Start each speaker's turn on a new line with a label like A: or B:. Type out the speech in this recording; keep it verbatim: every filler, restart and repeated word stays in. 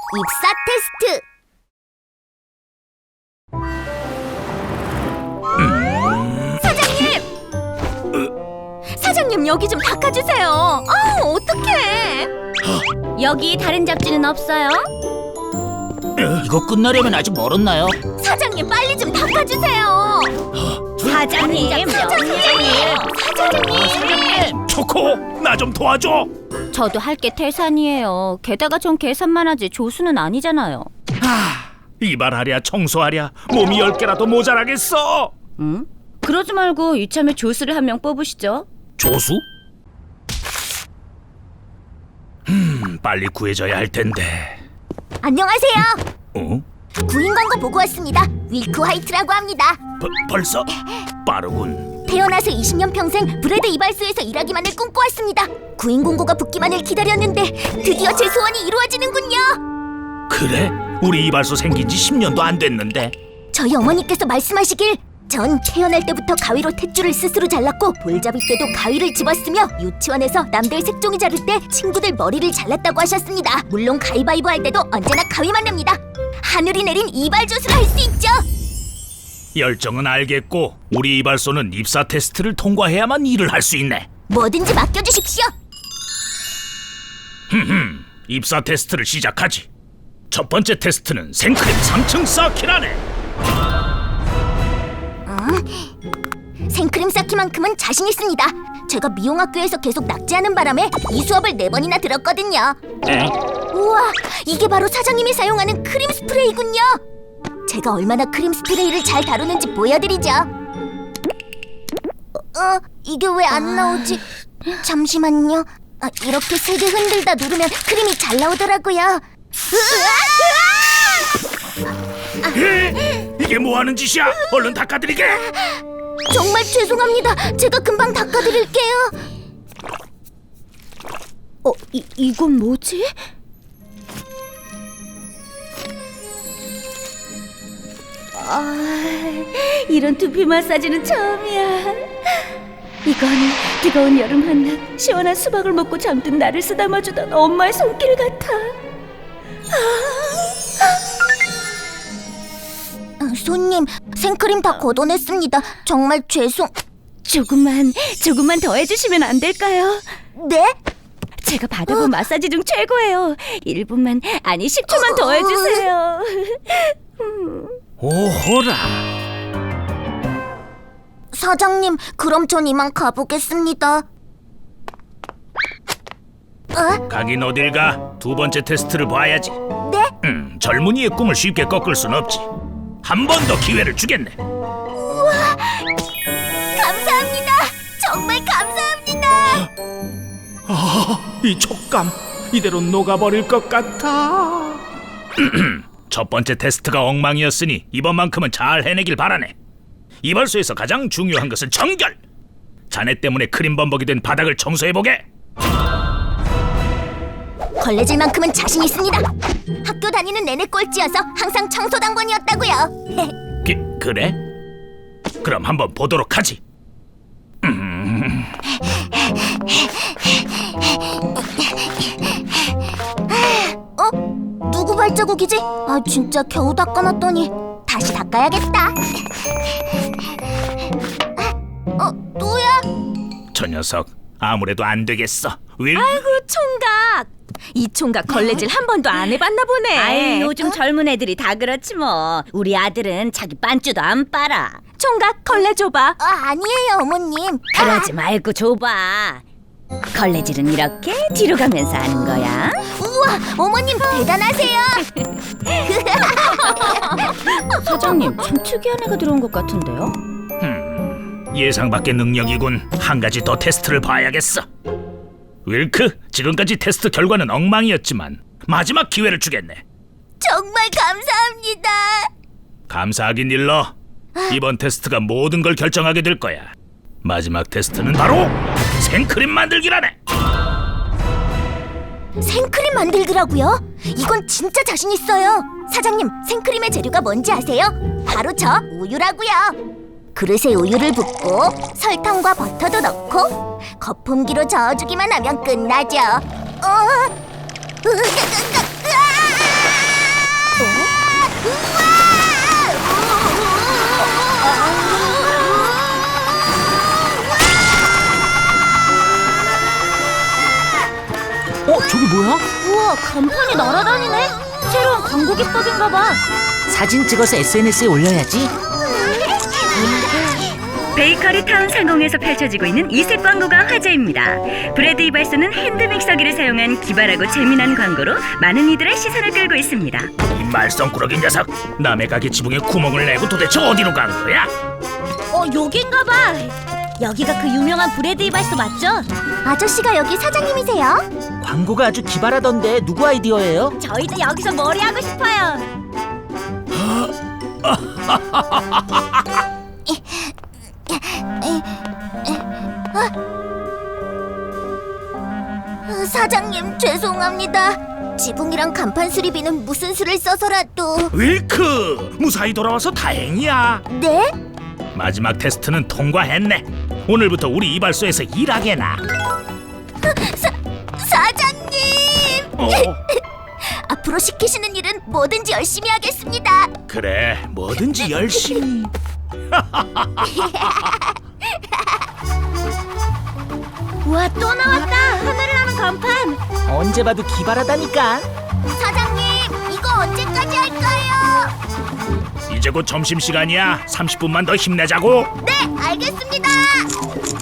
A: 입사 테스트. 사장님! 사장님, 여기 좀 닦아주세요. 아, 어떡해.
B: 여기 다른 잡지는 없어요?
C: 이거 끝나려면 아직 멀었나요?
A: 사장님, 빨리 좀 닦아주세요.
B: 사장님,
A: 사장님! 사장님!
C: 초코, 나 좀 도와줘.
B: 저도 할 게 태산이에요. 게다가 전 계산만 하지 조수는 아니잖아요.
C: 하, 이발하랴 청소하랴 몸이 열 개라도 모자라겠어.
B: 응? 그러지 말고 이참에 조수를 한 명 뽑으시죠.
C: 조수? 음, 빨리 구해줘야 할 텐데.
A: 안녕하세요.
C: 어?
A: 구인 광고 보고 왔습니다. 윌크 화이트라고 합니다.
C: 버, 벌써? 빠르군.
A: 태어나서 이십 년 평생 브레드 이발소에서 일하기만을 꿈꿔왔습니다. 구인 공고가 붙기만을 기다렸는데 드디어 제 소원이 이루어지는군요.
C: 그래? 우리 이발소 생긴 지 십 년도 안 됐는데.
A: 저희 어머니께서 말씀하시길 전 태어날 때부터 가위로 탯줄을 스스로 잘랐고 볼잡이 때도 가위를 집었으며 유치원에서 남들 색종이 자를 때 친구들 머리를 잘랐다고 하셨습니다. 물론 가위바위보 할 때도 언제나 가위만 냅니다. 하늘이 내린 이발 조수를 할 수 있죠.
C: 열정은 알겠고 우리 이발소는 입사 테스트를 통과해야만 일을 할 수 있네.
A: 뭐든지 맡겨주십시오.
C: 흠흠, 입사 테스트를 시작하지. 첫 번째 테스트는 생크림 삼 층 쌓기라네.
A: 생크림 쌓기만큼은 자신 있습니다. 제가 미용학교에서 계속 낙제하는 바람에 이 수업을 네 번이나 들었거든요.
C: 에?
A: 우와, 이게 바로 사장님이 사용하는 크림 스프레이군요. 제가 얼마나 크림 스프레이를 잘 다루는지 보여드리죠. 어, 어 이게 왜 안 나오지? 잠시만요. 아, 이렇게 세게 흔들다 누르면 크림이 잘 나오더라고요.
C: 에? 이게 뭐 하는 짓이야? 얼른 닦아드리게.
A: 정말 죄송합니다. 제가 금방 닦아드릴게요.
B: 어, 이, 이건 뭐지? 아, 이런 두피 마사지는 처음이야. 이건 뜨거운 여름 한낮 시원한 수박을 먹고 잠든 나를 쓰다마주던 엄마의 손길 같아.
A: 아, 손님, 생크림 다 걷어냈습니다. 정말 죄송...
B: 조금만, 조금만 더 해주시면 안 될까요?
A: 네?
B: 제가 받아본 마사지 중 최고예요. 일 분만, 아니 십 초만 더 해주세요.
C: 오호라.
A: 사장님, 그럼 전 이만 가보겠습니다. 어?
C: 가긴 어딜 가? 두 번째 테스트를 봐야지.
A: 네?
C: 음, 젊은이의 꿈을 쉽게 꺾을 순 없지. 한 번 더 기회를 주겠네.
A: 우와! 감사합니다! 정말 감사합니다!
C: 아, 이 촉감 이대로 녹아버릴 것 같아. 첫 번째 테스트가 엉망이었으니 이번만큼은 잘 해내길 바라네. 이발소에서 가장 중요한 것은 청결. 자네 때문에 크림 범벅이 된 바닥을 청소해보게.
A: 걸레질만큼은 자신 있습니다. 학교 다니는 내내 꼴찌여서 항상 청소당번이었다고요.
C: 기, 그래? 그럼 한번 보도록 하지. 음.
A: 어? 누구 발자국이지? 아, 진짜 겨우 닦아놨더니 다시 닦아야겠다. 어, 또야?
C: 저 녀석 아무래도 안 되겠어. 윌?
B: 아이고 총각. 이 총각 걸레질 한 번도 안 해봤나 보네. 아이, 요즘 젊은 애들이 다 그렇지 뭐. 우리 아들은 자기 빤쭈도 안 빨아. 총각 걸레 줘봐.
A: 아, 아니에요, 어머님.
B: 그러지 말고 줘봐. 걸레질은 이렇게 뒤로 가면서 하는 거야.
A: 우와, 어머님 대단하세요.
B: 사장님, 참 특이한 애가 들어온 것 같은데요.
C: 음, 예상 밖의 능력이군. 한 가지 더 테스트를 봐야겠어. 윌크, 지금까지 테스트 결과는 엉망이었지만 마지막 기회를 주겠네.
A: 정말 감사합니다.
C: 감사하긴 일러. 이번 테스트가 모든 걸 결정하게 될 거야. 마지막 테스트는 바로 생크림 만들기라네.
A: 생크림 만들기라고요? 이건 진짜 자신 있어요. 사장님, 생크림의 재료가 뭔지 아세요? 바로 저 우유라고요. 그릇에 우유를 붓고 설탕과 버터도 넣고 거품기로 저어주기만 하면 끝나죠. 어? 으, 으, 으, 으, 으아!
D: 어, 저기 뭐야?
A: 우와, 간판이 날아다니네. 새로운 광고 기법인가봐.
D: 사진 찍어서 에스엔에스에 올려야지.
B: 베이커리 타운 상공에서 펼쳐지고 있는 이색 광고가 화제입니다. 브래드 이발소는 핸드 믹서기를 사용한 기발하고 재미난 광고로 많은 이들의 시선을 끌고 있습니다.
C: 이 말썽꾸러기 녀석! 남의 가게 지붕에 구멍을 내고 도대체 어디로 간 거야?
A: 어, 여긴가봐. 여기가 그 유명한 브래드 이발소 맞죠? 아저씨가 여기 사장님이세요?
D: 광고가 아주 기발하던데 누구 아이디어예요?
A: 저희도 여기서 머리 하고 싶어요. 어, 사장님 죄송합니다. 지붕이랑 간판 수리비는 무슨 수를 써서라도.
C: 윌크! 무사히 돌아와서 다행이야.
A: 네?
C: 마지막 테스트는 통과했네. 오늘부터 우리 이발소에서 일하게나.
A: 사, 사장님!
C: 어,
A: 앞으로 시키시는 일은 뭐든지 열심히 하겠습니다.
C: 그래, 뭐든지 열심히.
A: 우와, 또 나왔다. 하늘을 나는 간판.
D: 언제 봐도 기발하다니까.
A: 사장님, 이거 언제까지 할까요?
C: 이제 곧 점심시간이야. 삼십 분만 더 힘내자고.
A: 네, 알겠습니다.